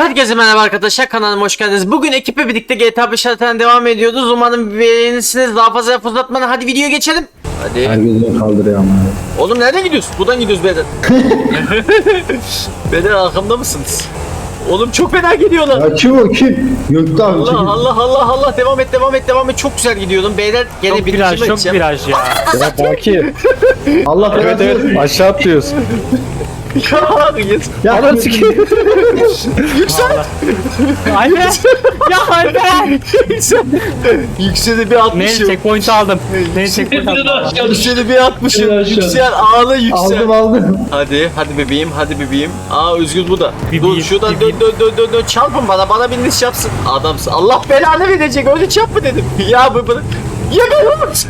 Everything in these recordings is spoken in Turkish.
Herkese merhaba arkadaşlar, kanalıma hoş geldiniz. Bugün ekiple birlikte GTA 5 haritadan devam ediyoruz. Umarım beğenirsiniz. Daha fazla laf uzatmadan hadi videoya geçelim. Hadi. Herkes kaldırıyor ama. Oğlum nereden gidiyoruz? Buradan gidiyoruz beyler. Beyler arkamda mısınız? Oğlum çok fena gidiyorlar. Ya kim o kim? Gökte abi Allah çekil. Allah devam et. Çok güzel gidiyordum beyler. Gene Çok bir viraj, çok viraj ya. Ya Baki. Allah Evet evet aşağı atlıyoruz. Ya Ananı sikeyim. Anne! Ya anne! Yüksel'i bir Ne atmışım. checkpoint aldım. Ne checkpoint aldım. Yüksel'i bir atmışım. Yüksel ağla yüksel. aldım. Hadi bebeğim. Aa Özgür bu da. Bebeğim, Dur şuradan bebeğim. dön çarpın bana bindiş yapsın. Adamsın. Allah belanı verecek öyle çarpma dedim. Ya bu. Ya ben olmaz.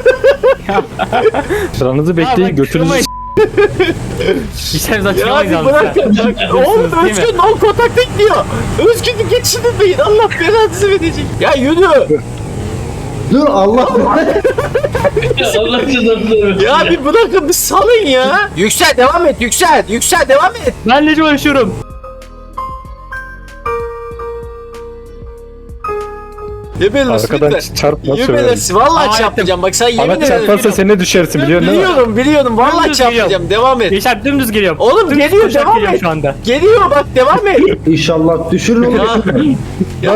Sıranızı bekleyin götünüzü İşlerimiz Ya açılamayız bir yalnız. bırak. Oğlum Değil mi? Özgür non kontakta gidiyor. Özgür'ü geçirmeyin. Allah belanızı verecek. Ya yürü. Dur Allah. Allah cezanı Ya bir bırakın bir salın ya. Yüksel devam et. Yüksel devam et. Ben nece uğraşıyorum? Yebelersin arkadan lütfen. çarpma Yebelersin. Vallahi Aa, çarpacağım. Bak sen yemin Bana çarparsa ederim. sen ne düşersin biliyorsun değil mi? Biliyorum. Vallahi Dümdüz çarpacağım. geliyorum. Devam et. Yaşar dümdüz geliyorum. Oğlum Dümdüz geliyor, koşarak devam geliyorum et. şu anda. Geliyor bak devam et. İnşallah düşürün onu. Ya,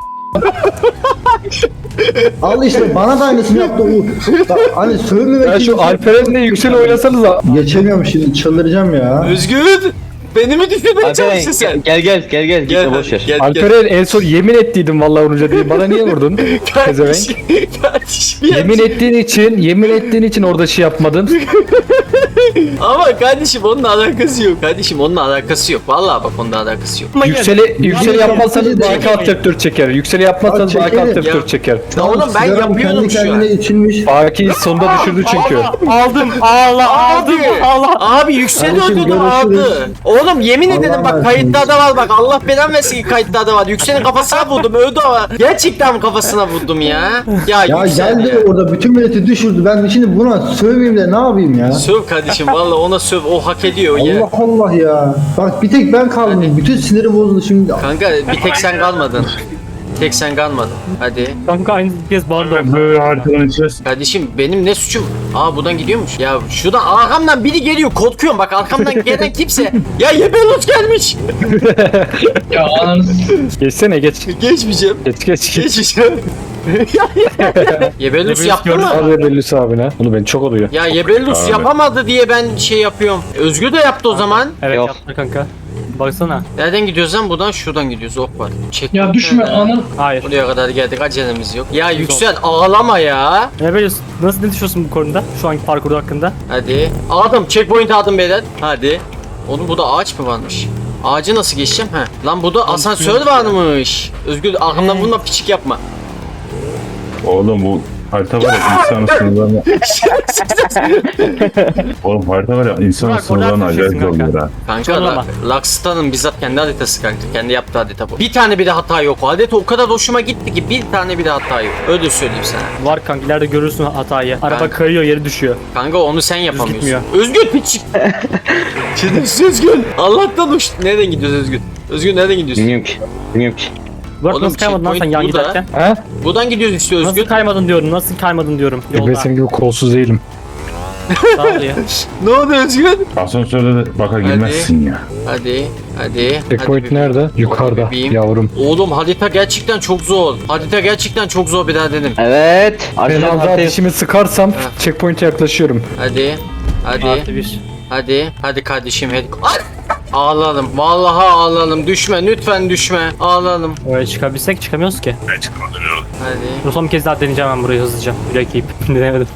Al işte bana da aynısını yaptı Uğur. Bak hani sövmemek Ya için şu Alperen'le Yüksel oynasanıza. geçemiyorum şimdi çıldıracağım ya. Özgür. Beni mi düşürmeye çalıştın sen? Gel gitme boş ver. Gel. Alperen en son yemin ettiydim vallahi vurunca diye. Bana niye vurdun? Pezevenk. Kardeşim ya. Yemin ettiğin için orada şey yapmadın. Ama kardeşim onunla alakası yok. Vallahi bak onunla alakası yok. Yükseli yapmazsanız yapıcı Baki alt F4 çeker. Yükseli yapmazsanız Abi Baki alt çekerim. F4 çeker. Ya oğlum ben Sigaram yapıyordum kendi şu an. kendine içilmiş. Baki sonunda düşürdü çünkü. Aldım. Aldım. Abi yükseli Kardeşim, öldürdü görüşürüz. aldı. Oğlum yemin Allah ederim bak versin. kayıtlarda var bak Allah belanı versin ki kayıtlarda var. Yüksel'in kafasına vurdum öldü ama. Gerçekten kafasına vurdum ya. Ya Ya Yüksel geldi ya. orada bütün milleti düşürdü. Ben şimdi buna sövmeyeyim de ne yapayım ya? Söv kardeşim valla ona söv o hak ediyor ya. Allah Allah ya. Bak bir tek ben kaldım. Bütün sinirim bozuldu şimdi. Kanka bir tek sen kalmadın. Tek sen kalmadın. Hadi. Kanka aynı kez bağırdı. Böyle haritadan içeceğiz. Kardeşim benim ne suçum? Aa buradan gidiyormuş. Ya şuradan arkamdan biri geliyor korkuyorum bak arkamdan gelen kimse. Ya Yebelut gelmiş. Ya ananı Geçsene geç. Geçmeyeceğim. Geç. Geçeceğim. Yebelus yaptı gördüm. mı? Abi Bellus abine. Bunu ben çok oluyor. Ya Yebelus Abi. yapamadı diye ben şey yapıyorum. Özgür de yaptı o zaman. Evet Yok. yaptı kanka. Baksana. Nereden gidiyoruz lan? Buradan şuradan gidiyoruz. Ok var. Çek. Ya düşme ananı. Hayır. Buraya kadar geldik. Acelemiz yok. Ya Yüksel ağlama ya. Ne biliyorsun? Nasıl ne düşünüyorsun bu konuda? Şu anki parkur hakkında? Hadi. Aldım. Checkpoint aldım beyler. Hadi. Oğlum burada ağaç mı varmış? Ağacı nasıl geçeceğim? He. Lan burada asansör varmış. Özgür arkamdan vurma piçik yapma. Oğlum bu harita var ya insanın sınırlarına... Oğlum harita var ya insanın Burak, sınırlarına oradan acayip düşüyorsun zorluyor ha. Kanka Zorlama. Lakstar'ın bizzat kendi haritası kanka. Kendi yaptığı harita bu. Bir tane bile hata yok. O harita o kadar hoşuma gitti ki bir tane bile hata yok. Öyle söyleyeyim sana. Var kanka ileride görürsün hatayı. Araba Ben- kayıyor yeri düşüyor. Kanka onu sen yapamıyorsun. gitmiyor. Özgür piçik. Şimdi Özgür. Allah'tan uçtu. Nereden gidiyoruz Özgür? Özgür nereden gidiyorsun? Bilmiyorum ki. Burak Oğlum, nasıl kaymadın lan sen checkpoint yan burada. giderken? He? Buradan gidiyoruz işte Özgür. Nasıl kaymadın diyorum, nasıl kaymadın diyorum. Ben Yolda. senin gibi kolsuz değilim. Sağ ol ya. Ne oldu Özgür? Asansörde de baka girmezsin ya. Hadi. Checkpoint Hadi nerede? bebeğim. Yukarıda Bebeğim. yavrum. Oğlum harita gerçekten çok zor. Harita gerçekten çok zor bir daha dedim. Evet. Ben Arkadan az daha haritayı. dişimi sıkarsam Ha. checkpoint'e yaklaşıyorum. Hadi. Artı bir. Hadi kardeşim hadi. Ay! Ağlalım. Vallahi ağlalım. Düşme lütfen düşme. Ağlalım. Öyle çıkabilsek çıkamıyoruz ki. Hadi. Son bir kez daha deneyeceğim ben burayı hızlıca. Bilek yiyip. Denemedim.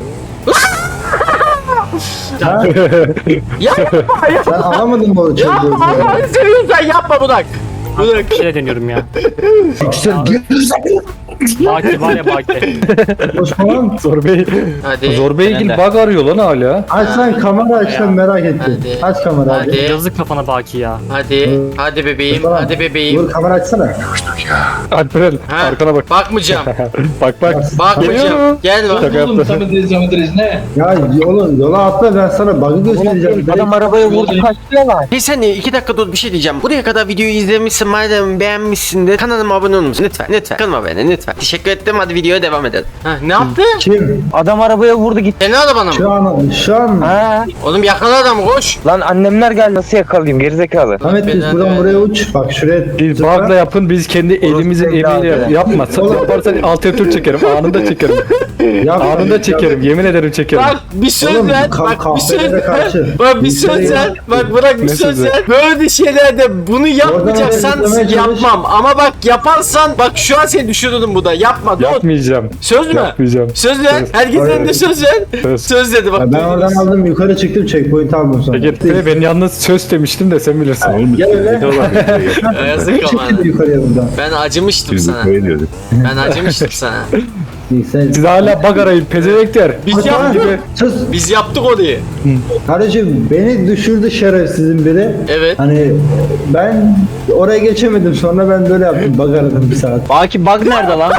Yapma ya. Sen alamadın mı o çocuğu? Yapma. Allah'ını seviyorsan yapma Budak. Budak. Bir şey deniyorum ya. Yüksel gir. Baki var ya Baki. Osman. Zor Bey. Hadi. Zor Bey ilgili Ben de. bug arıyor lan hala. Aç lan kamera aç lan merak ettim. Hadi. Aç kamera Hadi. abi. Yazık kafana Baki ya. Hadi bebeğim. Tamam. Hadi bebeğim. Dur kamera açsana. Alperen Ha, arkana bak. Bakmayacağım. Bak. Bakmayacağım. Gel bak. Şaka Oğlum yaptım. Samet ne? Ya oğlum yola atla ben sana bug'ı göstereceğim. Adam arabaya vurdu. Hey sen 2 dakika dur bir şey diyeceğim. Buraya kadar videoyu izlemişsin madem beğenmişsin de kanalıma abone olmuşsun. Lütfen kanalıma abone lütfen. Teşekkür ettim, hadi videoya devam edelim. Ha, ne yaptı? Kim? Adam arabaya vurdu gitti. Senin arabana mı? Şu an Ha. Oğlum yakala adamı, koş. Lan annemler geldi, nasıl yakalayayım gerizekalı. Ahmet biz Belanı buradan ver. buraya uç. Bak şuraya. Biz zıpla. bug'la yapın, biz kendi elimizin emeğiyle yapma. Sen yaparsan alt F4 çekerim, anında çekerim. Yap, Anında yap. çekerim, yemin ederim çekerim. Bak bir söz Oğlum, ver. Bak bir söz kahvelere ver. karşı. Bak bir Ülkeye söz ver. yap. Bak bırak bir Ne söz sözü? ver. Böyle şeylerde bunu yapmayacaksan Oradan oraya yapmam. Ama bak yaparsan bak şu an seni düşürürüm bu da. Yapma. Dur. Yapmayacağım. Söz mü? Yapmayacağım. Söz ver. Söz. Herkesin Hayır. önünde söz ver. Söz. Söz dedi bak. Ya ben oradan aldım yukarı çıktım checkpoint aldım sonra. Peki ben yalnız söz demiştim de sen bilirsin. Oğlum Gel öyle. Yazık ama. Çıktım yukarıya buradan. Ben acımıştım Biz sana. böyle diyorduk. Ben acımıştım sana. Sen... Siz hala bug arayın pezevekler. Biz yaptık. Sus. Biz yaptık orayı. Kardeşim beni düşürdü şerefsizin biri. Evet. Hani ben oraya geçemedim, sonra ben böyle yaptım, bug aradım bir saat. Baki bug nerede lan?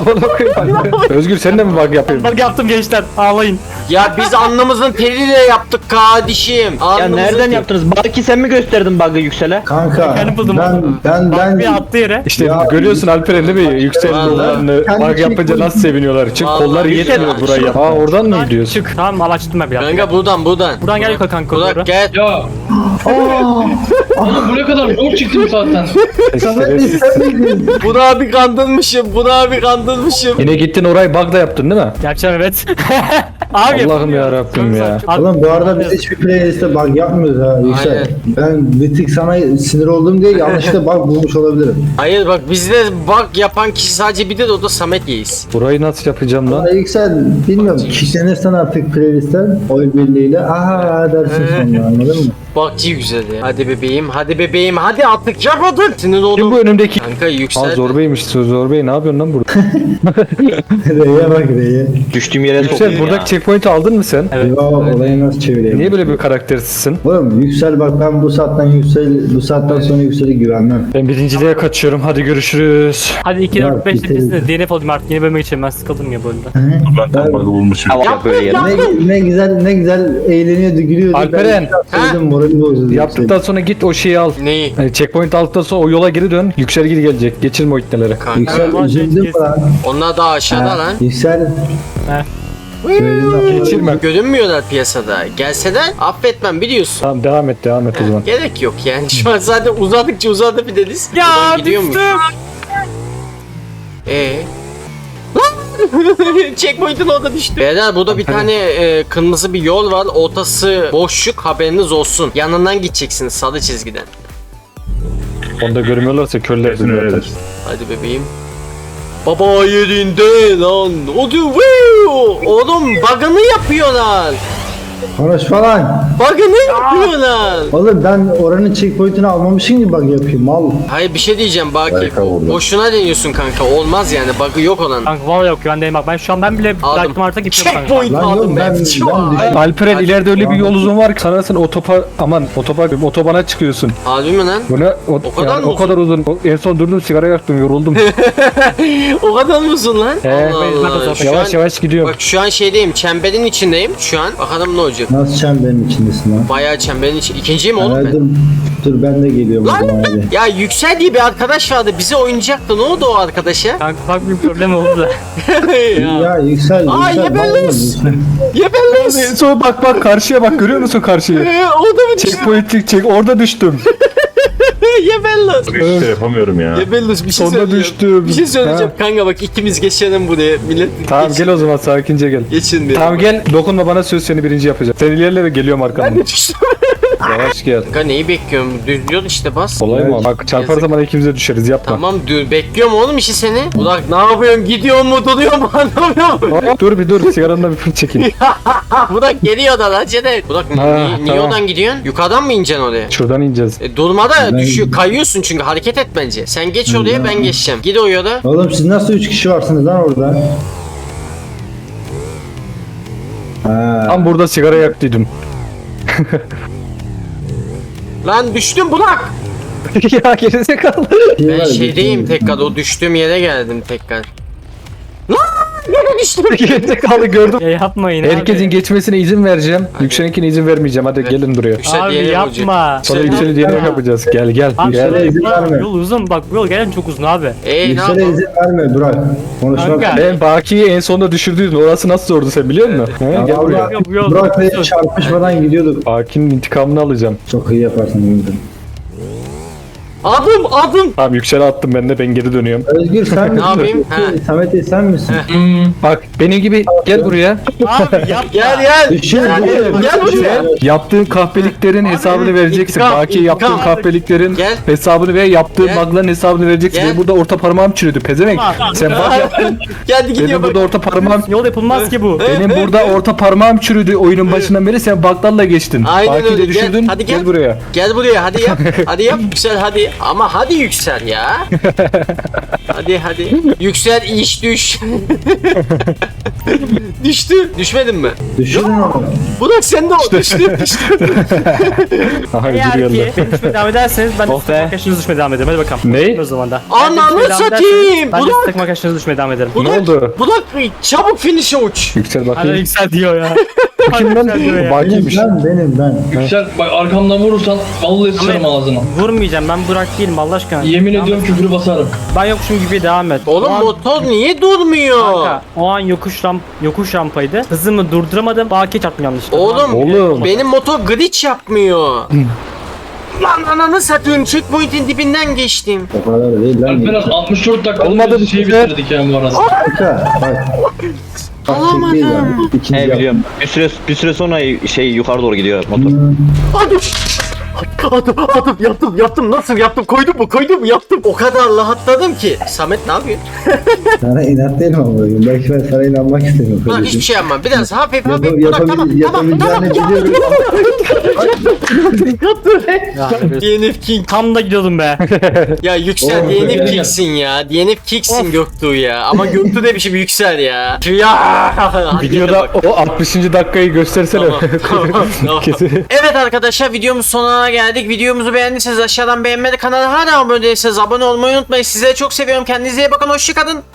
Özgür sen de mi bug yapıyorsun? Bak yaptım gençler, ağlayın. Ya biz alnımızın teriyle yaptık kardeşim. Ya Alnımızın nereden teri- yaptınız? Baki sen mi gösterdin bug'ı Yüksel'e? Kanka Kendim buldum. ben Bir attı yere. İşte Ya, görüyorsun Alperen değil mi? Yüksel Vallahi. yollarını Kendi bug yapınca checkpoint- nasıl seviniyorlar. Çünkü Vallahi kolları Yüksel yetmiyor aç. burayı yap. Aa oradan mı gidiyorsun? Çık. Tamam al açtım ben bir dakika. Kanka buradan. Buradan gel yukarı kanka, Burak doğru. gel. Ya. Oğlum buraya kadar zor çıktım zaten. Şerefsiz. Bunu abi kandırmışım. Bunu abi kandırmışım. Yine gittin orayı bug'da yaptın değil mi? Yapacağım evet. Abi. Allah'ım ya Rabbim ya. Oğlum bu arada biz hiçbir playlist'te bug yapmıyoruz ha Yüksel. Aynen. Ben bir tık sana sinir oldum diye yanlışlıkla bug bulmuş olabilirim. Hayır bak bizde bug yapan kişi sadece bir de o da Samet Yeğiz. Burayı nasıl yapacağım lan? Ama Yüksel bilmiyorum, kişilenirsen artık playlist'ten oy birliğiyle aha dersin sonra, anladın mı? Bug'cı güzel ya. Hadi bebeğim, hadi bebeğim, hadi artık yap artık. Sinir Kim oldum. bu önümdeki? Kanka Aa yüksel. Zor Bey'miş. Zor Bey ne yapıyorsun lan burada? R'ye bak R'ye. Düştüğüm yere soktum. Yüksel buradaki checkpoint'i aldın mı sen? Evet. Ya olayı nasıl çevireyim? Niye böyle bir karaktersizsin? Oğlum Yüksel bak, ben bu saatten sonra Yüksel'e güvenmem. Ben birinciliğe kaçıyorum. Hadi görüşürüz. Hadi 2 Ya, 4 5 bitirin. de DNF olayım artık, yeni bölüme geçelim, ben sıkıldım ya bu oyunda. Ben tam bug'ı bulmuşum. Tamam böyle yere. Ne güzel eğleniyordu, gülüyordu. Alperen. Ben morali bozuldu. Yaptıktan sonra git o şeyi al. Neyi? Yani checkpoint aldıktan sonra o yola geri dön. Yüksel geri gelecek. Geçirme o ipneleri. Kanka. Yüksel Tamam, üzüldün mü kes. lan? Onlar daha aşağıda Ha, lan. Yüksel. He. Geçirme. Görünmüyorlar piyasada. Gelseler affetmem biliyorsun. Tamam devam et o zaman. Gerek yok yani. Şu an zaten uzadıkça uzadı bir deniz. Ya Buradan gidiyormuş. düştüm. Checkpoint'in orada düştü. Beyler burada bir tane kırmızı bir yol var. Ortası boşluk, haberiniz olsun. Yanından gideceksiniz sarı çizgiden. Onu da görmüyorlarsa körler Kesin zaten. öyledir. Hadi bebeğim. Baba yerinde lan. O diyor. Oğlum bug'ını yapıyorlar. Konuş falan. Bug'ını yapıyorlar. Oğlum ben oranın checkpoint'ini almamışım ki bug yapayım mal. Hayır bir şey diyeceğim Baki. Harika vurdu. Boşuna deniyorsun kanka. Olmaz yani. Bug'ı yok olan. Kanka vallahi yok, güvendeyim bak. Ben bile bıraktım artık, gitmiyorum kanka. Checkpoint Lan aldım yok, ben. ben düştüm. Alperen Hadi. ileride öyle bir yol uzun var ki sanırsın otobana çıkıyorsun. Harbi mi lan? Bu ne? O kadar mı o kadar uzun. En son durdum sigara yaktım yoruldum. O kadar mı uzun lan? He. Allah Allah. Şu yavaş an- yavaş gidiyorum. Bak şu an şeydeyim. Çemberin içindeyim. Şu an. Bakalım ne olacak. Nasıl çemberin içindesin lan? Bayağı çemberin içi. İkinciyim oğlum Ha, ben. dur ben de geliyorum o Lan! zaman hadi. Ya Yüksel diye bir arkadaş vardı. Bize oynayacaktı. Ne oldu o arkadaşa? Kanka bak bir problem oldu da. Ya Yüksel, Aa, Yüksel. yebellez. vallahi Yüksel. Ya ben lan. En son bak karşıya bak görüyor musun karşıyı? O da mı düştü? Checkpoint çek orada düştüm. Ya ben lan. İşte yapamıyorum ya. Ya ben lan. Bir şey Sonunda söyleyeceğim. düştüm. Bir şey söyleyeceğim. Kanka bak ikimiz geçelim buraya. Millet Tamam geç- gel o zaman sakince gel. Geçin bir. Tamam gel dokunma bana söz seni birinci yapacağım. Sen ilerle ve geliyorum Ben arkandan. de düştüm. Yavaş gel. Kanka neyi bekliyorum? Düz yol işte bas. Kolay mı? Bak çarpar Yazık. zaman ikimiz de düşeriz yapma. Tamam dur bekliyorum oğlum işi seni. Burak ne yapıyorsun? Gidiyor mu? Duruyor mu? Anlamıyorum. Hop, dur bir dur sigaranla bir fırt çekeyim. Burak geliyor da lan Cede. Burak Ha, niye tamam. oradan gidiyorsun? Yukarıdan mı ineceksin oraya? Şuradan ineceğiz. Durma da düşüyor. Kayıyorsun çünkü hareket et bence. Sen geç oraya ben geçeceğim. Gid o yola. Oğlum siz nasıl 3 kişi varsınız lan orada? Ha. Tam burada sigara yaktıydım. Lan düştüm Burak. ya gerizekalı. Ben şeydeyim tekrar. O düştüğüm yere geldim tekrar. Lan! Gerizekalı gördüm. Ya yapmayın Herkesin abi. geçmesine izin vereceğim. Yüksel'inkine izin vermeyeceğim. Hadi gelin buraya. Yüksel Abi diyelim yapma. Sonra Yüksel- Yüksel'i diyelim yapacağız. Gel gel. Abi Gel. şöyle izin yapma. verme. Yol uzun bak bu yol gelen çok uzun abi. Ne Yüksel'e yapalım? izin verme Burak. Konuşmak. Kanka. Ben Baki'yi en sonunda düşürdüydün. Orası nasıl zordu sen biliyor musun? He, gel buraya. Allah, Bu yol Burak Bey uzun. çarpışmadan gidiyorduk. Baki'nin intikamını alacağım. Çok iyi yaparsın Özgür. Adım. Tamam Yüksel'e attım ben de, ben geri dönüyorum. Özgür sen misin? yapayım? Ha. Samet sen misin? Bak benim gibi gel buraya. Abi yapma. Gel. Düşün. Gel buraya. Yaptığın kahpeliklerin hesabını vereceksin. intikam, Baki'ye yaptığın intikam. kahpeliklerin Gel. hesabını ve yaptığın Gel. bug'ların hesabını vereceksin. Gel. Benim burada orta parmağım çürüdü pezevenk. Sen bug yaptın. Geldi gidiyor Benim bak. burada orta parmağım Yol yapılmaz ki bu. Benim burada orta parmağım çürüdü oyunun başından beri, sen bug'larla geçtin. Aynen Baki'yi öyle. de düşürdün. Gel, hadi gel. buraya. Gel buraya hadi yap. Hadi yap Yüksel hadi. Ama hadi Yüksel ya. Hadi. Yüksel iş düş. Düştü. Düşmedin mi? Düşün onu. Burak sen de o düştü. Aha Eğer ödül ki geldi. benim düşmeye devam ederseniz ben de Oh sıkma be. arkadaşınızı düşmeye devam ederim. Hadi bakalım. Ne? O zaman da. Ananı Ben de düşmeye devam satayım! ederseniz Ben de Burak! sıkma arkadaşınızı düşmeye devam ederim. Ne oldu? Burak çabuk finish'e uç. Yüksel Hala bakayım. yüksel diyor ya. Kim lan? Yüksel diyor ya. Baki'ymiş. Ben. Yüksel bak arkamdan vurursan vallahi sıçarım ağzına. Vurmayacağım, ben Burak değilim Allah aşkına. Yemin ediyorum küfürü basarım. Ben yokmuşum gibi devam et. Oğlum O an- motor niye durmuyor? Kanka, o an yokuş rampaydı. Hızımı durduramadım. Bakiye çarptım yanlışlıkla. Oğlum. Benim motor glitch yapmıyor. Lan ananı satayım checkpoint'in dibinden geçtim. O kadar değil lan. Alperen 64 dakikada Olmadı bir şey bu sefer. bitirdik yani bu arada. Kanka bak. Bak Alamadım. çek değil yani. İkinci He yap. biliyorum. Bir süre sonra şey yukarı doğru gidiyor motor. Yaptım nasıl yaptım koydum mu yaptım. O kadar rahatladım ki. Samet ne yapıyor? Sana inat değilim ama bugün. Belki ben sana inanmak istemiyorum. Bak kardeşim. hiçbir şey yapmam. Biraz hafif Yap- Burak tamam. yapabileceğini biliyorum. DNF King. Tam da gidiyordum be. Ya Yüksel Oğlum, DNF gel. King'sin ya. DNF King'sin Göktuğ ya. Ama Göktuğ ne biçim Yüksel ya. Ya. Videoda o 60. dakikayı göstersene. Tamam. Kesin. Evet arkadaşlar videomuz sonuna geldik. Videomuzu beğendiyseniz aşağıdan beğenmeyi, kanala hala abone değilseniz abone olmayı unutmayın. Sizleri çok seviyorum. Kendinize iyi bakın. Hoşçakalın.